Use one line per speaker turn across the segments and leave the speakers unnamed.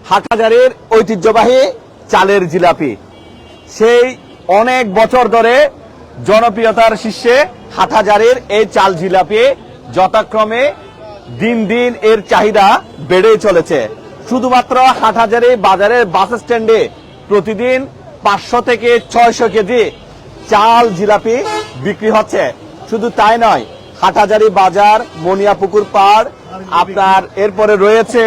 হাটহাজারীর ঐতিহ্যবাহী চালের জিলাপি, সেই অনেক বছর ধরে জনপ্রিয়তার শীর্ষে হাটহাজারীর এই চাল জিলাপি যথাক্রমে দিন দিন এর চাহিদা বেড়েই চলেছে। শুধুমাত্র হাটহাজারী বাজারের বাস স্ট্যান্ডে প্রতিদিন 500 থেকে 600 কেজি চাল জিলাপি বিক্রি হচ্ছে। শুধু তাই নয়, হাটহাজারী বাজার, মনিয়াপুকুর পাড়, আপনার এরপরে রয়েছে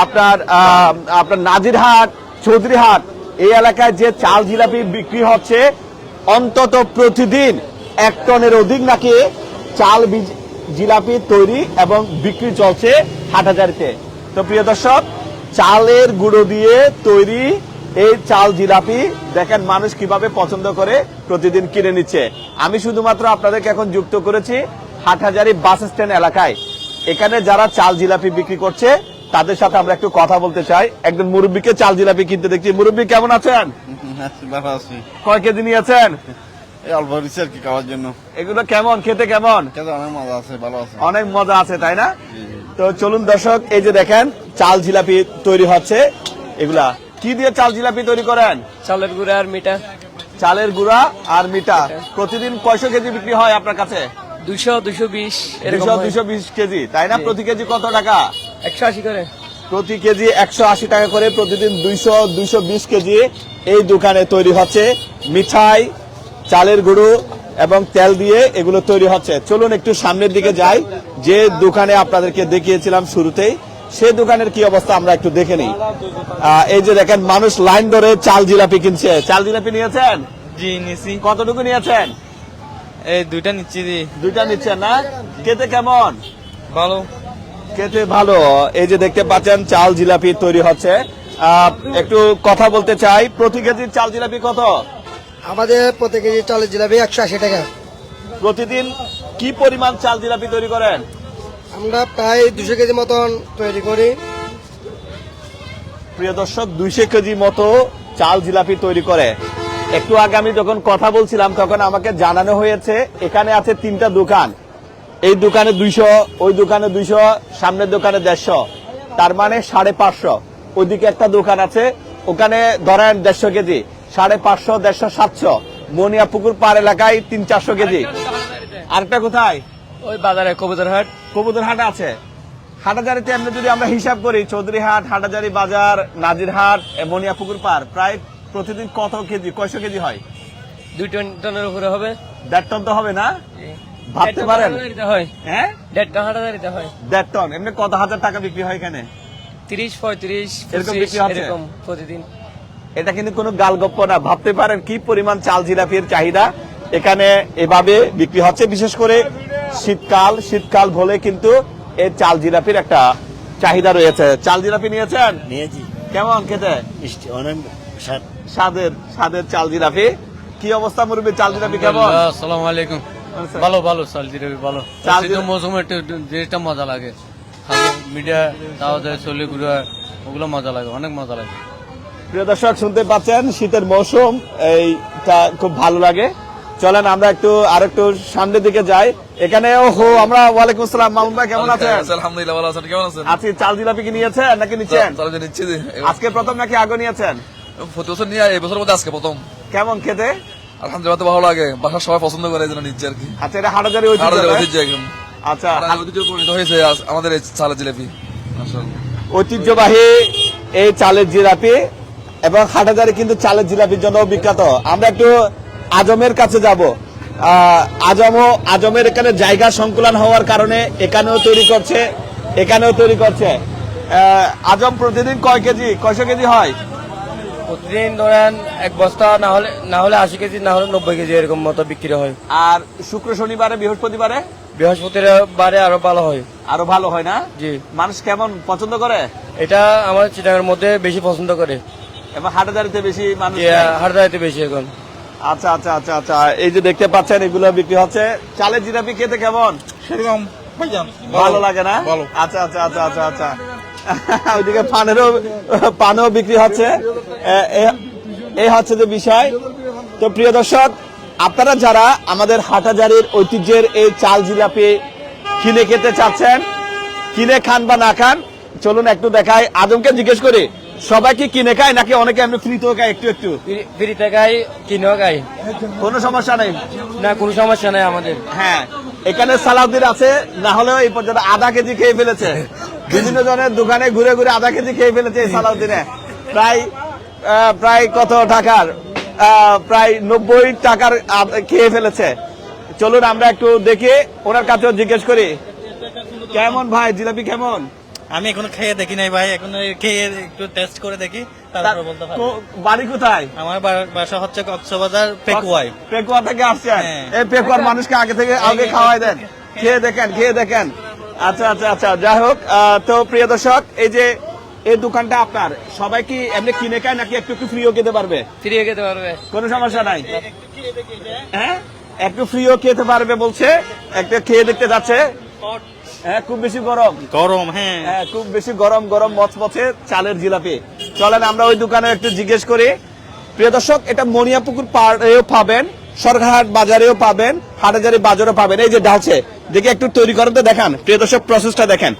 আপনার নাজিরহাট, চৌধুরীহাট, এই এলাকায় যে চাল জিলাপি বিক্রি হচ্ছে অন্তত প্রতিদিন 1 টনের অধিক নাকি চাল জিলাপি তৈরি এবং বিক্রি চলছে হাটহাজারীতে। তো প্রিয় দর্শক, চালের গুঁড়ো দিয়ে তৈরি এই চাল জিলাপি দেখেন মানুষ কিভাবে পছন্দ করে প্রতিদিন কিনে নিচ্ছে। আমি শুধুমাত্র আপনাদেরকে এখন যুক্ত করেছি হাটহাজারী বাস স্ট্যান্ড এলাকায়। এখানে যারা চাল জিলাপি বিক্রি করছে তাদের সাথে আমরা একটু কথা বলতে চাই। একজন মুরব্বীকে চাল জিলাপি কিনতে দেখছি। মুরব্বী কেমন আছেন?
ভালো আছি।
কয় কেজি নিয়েছেন?
অল্প দিচ্ছে আর কি খাওয়ার জন্য।
এগুলো কেমন খেতে? কেমন?
অনেক মজা আছে, ভালো আছে,
অনেক মজা আছে, তাই না? তো চলুন দর্শক, এই যে দেখেন চাল জিলাপি তৈরি হচ্ছে। এগুলা কি দিয়ে চাল জিলাপি তৈরি করেন?
চালের গুঁড়া আর মিঠা।
চালের গুঁড়া আর মিঠা। প্রতিদিন কয়শো কেজি বিক্রি হয় আপনার কাছে?
200-220
220 কেজি, তাই না? প্রতি কেজি কত টাকা?
180 করে।
প্রতি কেজি 180 টাকা করে প্রতিদিন 200-220 কেজি এই দোকানে তৈরি হচ্ছে। মিঠাই, চালের গুঁড়ো এবং তেল দিয়ে এগুলো তৈরি হচ্ছে। চলুন একটু সামনের দিকে যাই। যে দোকানে আপনাদেরকে দেখিয়েছিলাম শুরুতেই, সেই দোকানের কি অবস্থা আমরা একটু দেখে নিই। এই যে দেখেন মানুষ লাইন ধরে চাল জিলাপি কিনছে। চাল জিলাপি নিয়েছেন?
জি নিছি।
কতটুকু নিয়েছেন?
এই দুইটা নিচ্ছি।
দুইটা নিচ্ছেন না? খেতে কেমন?
ভালো।
খেতে ভালো। এই যে দেখতে পাচ্ছেন চাল জিলাপি তৈরি হচ্ছে। একটু কথা বলতে চাই, প্রতি কেজির চাল জিলাপি কত?
আমাদের প্রতি কেজি চালের জিলাপি 180 টাকা।
প্রতিদিন কি পরিমাণ চাল জিলাপি তৈরি করেন?
আমরা প্রায় 200 কেজি মতন তৈরি করি।
প্রিয় দর্শক, 200 কেজি মতো চাল জিলাপি তৈরি করে। একটু আগে আমি যখন কথা বলছিলাম তখন আমাকে জানানো হয়েছে এখানে আছে 3টা দোকান। এই দোকানে 200, ওই দোকানে 200, সামনের দোকানে 150, তার মানে 550। ওইদিকে একটা দোকান আছে, ওখানে ধরেন 150 কেজি, 550, 150, 700। মনিয়াপুকুর পাড় এলাকায় 300-400 কেজি। আরেকটা কোথায়?
ওই বাজারে কবুতরহাট।
কবুতরহাট আছে। হাটহাজারীতে এমনি যদি আমরা হিসাব করি, চৌধুরীহাট, হাটহাজারী বাজার, নাজিরহাট, মনিয়াপুকুর পাড়, প্রায় প্রতিদিন কত কেজি, কয়শো কেজি হয়?
2 টনের উপরে হবে।
1.5 টন তো হবে না? ভাবতে পারেন? হ্যাঁ,
1.5 টন হাটহাজারীতে হয়।
1.5 টন। এমনি কত হাজার টাকা বিক্রি হয় এখানে?
30-35
এরকম বিক্রি হচ্ছে?
এরকম প্রতিদিন।
এটা কিন্তু কোনো গালগপ্প না। ভাবতে পারেন কি পরিমাণ চাল জিলাপির চাহিদা এখানে এভাবে বিক্রি হচ্ছে। বিশেষ করে শীতকাল বলে কিন্তু এই চাল জিলাপির একটা চাহিদা রয়েছে। চাল জিলাপি নিয়েছেন?
নিয়েছি।
কেমন খেতে?
মিষ্টি, অনেক
স্বাদের চাল জিলাপি। কি অবস্থা মুরব্বী, চাল জিলাপি কেমন?
আসসালামু আলাইকুম। ভালো ভালো চাল জিলাপি ভালো।
চাল
মৌসুমে একটু যেটা মজা লাগে, মিডিয়া দাওয়া যায়, চলে ঘুরা, ওগুলো মজা লাগে, অনেক মজা লাগে।
প্রিয় দর্শক, শুনতে পাচ্ছেন শীতের মৌসুম, এইটা খুব ভালো লাগে। চলেন আমরা আরেকটু সামনের দিকে যাই। এখানে আমরা ওয়ালাইকুম আসসালাম, মামুন ভাই কেমন আছেন?
আলহামদুলিল্লাহ ভালো আছেন, কেমন আছেন?
আছি। চাল জিলাপি কি নিয়েছেন নাকি নিচ্ছেন?
নিচ্ছি।
আজকে প্রথম নাকি আগে নিয়েছেন?
প্রতি বছর নিয়ে এই বছরের মধ্যে আজকে প্রথম।
কেমন খেতে?
আলহামদুলিল্লাহ ভালো লাগে, বাসার সবাই পছন্দ করে, এই জন্য নিচ্ছি আর কি।
আচ্ছা, এটা হাটহাজারী ঐতিহ্য একদম। আচ্ছা,
ঐতিহ্য পরিণত হয়েছে আমাদের এই চালের জিলাপি।
ঐতিহ্যবাহী এই চালের জিলাপি, এবং হাটহাজারী কিন্তু চালের জিলাপির জন্য বিখ্যাত। আমরা একটু আজমের কাছে যাব। আজমের এখানে জায়গা সংকুলন হওয়ার কারণে এখানেও তৈরি করছে। আজম প্রতিদিন কয়শো কেজি হয়?
প্রতিদিন ধরেন 1 বস্তা, না হলে 80 কেজি, না হলে 90 কেজি এরকম মতো বিক্রি হয়।
আর শুক্র, শনিবারে,
বৃহস্পতিবারে আরো ভালো হয়।
আরো ভালো হয় না?
জি।
মানুষ কেমন পছন্দ করে
এটা? আমাদের চিটাগাংয়ের মধ্যে বেশি পছন্দ করে,
এবং হাটহাজারীতে বেশি মানুষ।
হাটহাজারীতে বেশি এখন।
আচ্ছা আচ্ছা আচ্ছা আচ্ছা, এই যে দেখতে পাচ্ছেন এগুলো বিক্রি হচ্ছে। চালের জিলাপি খেতে কেমন?
সেরকম
ভালো লাগে না? আচ্ছা আচ্ছা আচ্ছা আচ্ছা আচ্ছা। ওইদিকে পানও বিক্রি হচ্ছে। এই হচ্ছে যে বিষয়। তো প্রিয় দর্শক, আপনারা যারা আমাদের হাটহাজারীর ঐতিহ্যের এই চাল জিলাপি কিনে খেতে চাচ্ছেন, কিনে খান বা না খান, চলুন একটু দেখাই। আজমকে জিজ্ঞেস করি, সবাই কি কিনে খায় নাকি অনেকে এমনি ফ্রিতেও খায় একটু একটু?
ফ্রিতে খাই, কিনেও খাই,
কোনো সমস্যা নেই।
না কোনো সমস্যা নেই আমাদের।
হ্যাঁ, এখানে সালাউদ্দিন আছে, না হলেও এই পর্যন্ত আধা কেজি খেয়ে ফেলেছে। বিভিন্ন জনের দোকানে ঘুরে ঘুরে আধা কেজি খেয়ে ফেলেছে এই সালাউদ্দিনে। প্রায় কত টাকার? প্রায় 90 টাকার খেয়ে ফেলেছে। চলুন আমরা একটু দেখি, ওনার কাছেও জিজ্ঞেস করি কেমন ভাই জিলাপি কেমন?
আমি এখনো খেয়ে দেখি নাই ভাই, এখন খেয়ে একটু টেস্ট করে দেখি, তারপর বলতে পারবো।
বাড়ি কোথায়?
আমার বাসা হচ্ছে কক্সবাজার পেকুয়ায়।
পেকুয়া থেকে আসছেন?
হ্যাঁ।
এই পেকুয়ার মানুষকে আগে খাওয়াই দেন, খেয়ে দেখেন। আচ্ছা আচ্ছা আচ্ছা, যাই হোক। তো প্রিয় দর্শক, এই যে এই দোকানটা আপনার, সবাই কি এমনি কিনে খায় নাকি একটু একটু ফ্রিও খেতে পারবে?
ফ্রিয়ে খেতে পারবে,
কোনো সমস্যা নাই। হ্যাঁ, একটু ফ্রিও খেতে পারবে বলছে, একটা খেয়ে দেখতে যাচ্ছে। হ্যাঁ, খুব বেশি গরম
গরম, হ্যাঁ।
হ্যাঁ, খুব বেশি গরম মচমচে চালের জিলাপি। চলেন আমরা ওই দোকানে একটু জিজ্ঞেস করি। প্রিয় দর্শক, এটা মনিয়াপুকুর পাড়েও পাবেন, সরকারহাট বাজারেও পাবেন, হাটাজারি বাজারেও পাবেন। এই যে ঢালছে, দেখে একটু তৈরি করতে দেখান। প্রিয় দর্শক, প্রসেসটা দেখেন।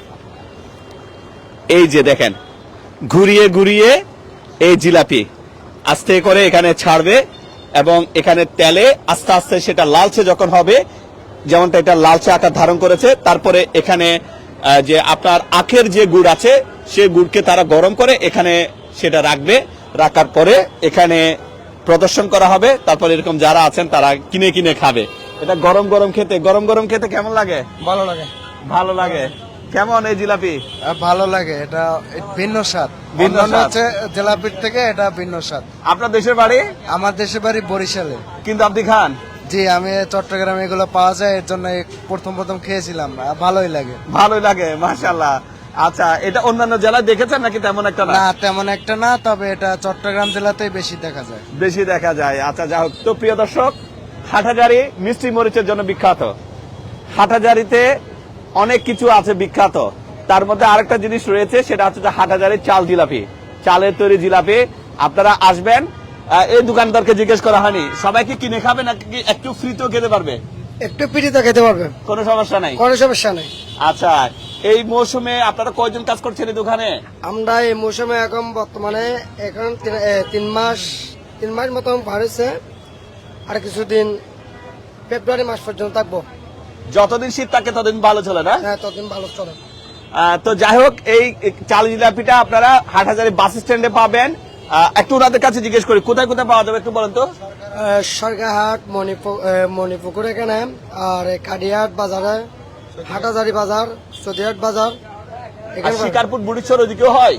এই যে দেখেন, ঘুরিয়ে ঘুরিয়ে এই জিলাপি আস্তে করে এখানে ছাড়বে এবং এখানে তেলে আস্তে আস্তে সেটা লালচে যখন হবে, যেমনটা এটা লালচে আকার ধারণ করেছে, তারপরে এখানে যে আপনার আখের যে গুড় আছে সেই গুড়কে তারা গরম করে এখানে সেটা রাখার পরে এখানে প্রদর্শন করা হবে। তারপর এরকম যারা আছেন তারা কিনে কিনে খাবে। এটা গরম গরম খেতে কেমন লাগে?
ভালো লাগে।
ভালো লাগে। কেমন এই জিলাপি?
ভালো লাগে, এটা ভিন্ন স্বাদ।
ভিন্ন
অন্যান্য
স্বাদ।
হচ্ছে জিলাপির থেকে এটা ভিন্ন স্বাদ।
আপনার দেশের বাড়ি?
আমার দেশের বাড়ি বরিশালে।
কিন্তু আপনি খান?
জি, আমি চট্টগ্রামে এগুলো পাওয়া যায়, এর জন্য প্রথম খেয়েছিলাম, ভালোই লাগে।
মাশাআল্লাহ। আচ্ছা, এটা অন্যান্য জেলায় দেখেছেন নাকি তেমন একটা না?
না, তেমন একটা না, তবে এটা চট্টগ্রাম জেলাতেই বেশি দেখা যায়।
আচ্ছা, যাই হোক। তো প্রিয় দর্শক, হাটহাজারী মিষ্টি মরিচের জন্য বিখ্যাত। হাটহাজারীতে অনেক কিছু আছে বিখ্যাত, তার মধ্যে আরেকটা জিনিস রয়েছে, সেটা হচ্ছে যে হাটহাজারীর চাল জিলাপি, চালের তৈরি জিলাপি। আপনারা আসবেন, এই দোকানদারকে জিজ্ঞেস করা হয়নি, সবাই কি কিনে খাবে নাকি একটু ফ্রিতেও খেতে পারবে?
একটু পিঠিতে খেতে পারবে,
কোনো সমস্যা নাই।
কোনো সমস্যা নেই।
আচ্ছা, এই মৌসুমে আপনারা কয়জন কাজ করছেন এই দোকানে?
আমরা এই মৌসুমে এখন বর্তমানে এখন 3 মাস মতন পার হয়েছে, আর কিছুদিন ফেব্রুয়ারি মাস পর্যন্ত থাকবো।
যতদিন শীত থাকে ততদিন ভালো চলে না?
হ্যাঁ, ততদিন ভালো চলে।
তো যাই হোক, এই চাল জিলাপিটা আপনারা হাটহাজারী বাস স্ট্যান্ডে পাবেন। একটু ওনাদের কাছে জিজ্ঞেস করি কোথায় কোথায় পাওয়া যাবে, একটু বলেন তো।
সরকারহাট, মণিপুকুর এখানে, আর কাডিয়াট বাজারে, হাটাজারি বাজার, সদিহাট বাজার,
আর শিকারপুর বুড়িচর ওদিকেও হয়?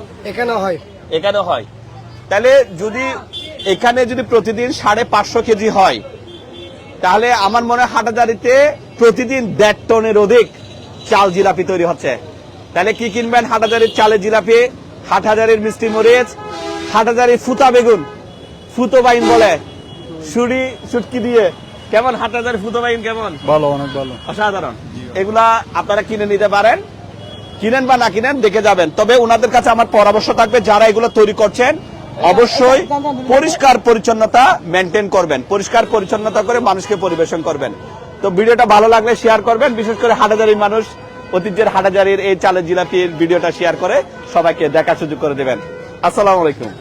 এখানে হয়।
তাহলে এখানে যদি প্রতিদিন 550 কেজি হয়, তাহলে আমার মনে হয় হাটহাজারীতে প্রতিদিন 1.5 টনের অধিক চাল জিলাপি তৈরি হচ্ছে। তাহলে কি কিনবেন? হাটহাজারীর চালের জিলাপি, হাটহাজারীর মিষ্টি মরিচ, হাটহাজারীর ফুতা বেগুন, ফুতো বাইন বলে শুটকি দিয়ে। কেমন হাটহাজারী ফুতো বাইন কেমন?
ভালো, অনেক ভালো।
অসাধারণ। এগুলা আপনারা কিনে নিতে পারেন, কিনেন বা না কিনেন দেখে যাবেন। তবে ওনাদের কাছে আমার পরামর্শ থাকবে, যারা এগুলো তৈরি করছেন অবশ্যই পরিষ্কার পরিচ্ছন্নতা মেনটেন করবেন, পরিষ্কার পরিচ্ছন্নতা করে মানুষকে পরিবেশন করবেন। তো ভিডিওটা ভালো লাগলে শেয়ার করবেন, বিশেষ করে হাটহাজারীর মানুষ, ঐতিহ্যের হাটহাজারীর এই চালের জিলাপির ভিডিওটা শেয়ার করে সবাইকে দেখার সুযোগ করে দেবেন। আসসালামু আলাইকুম।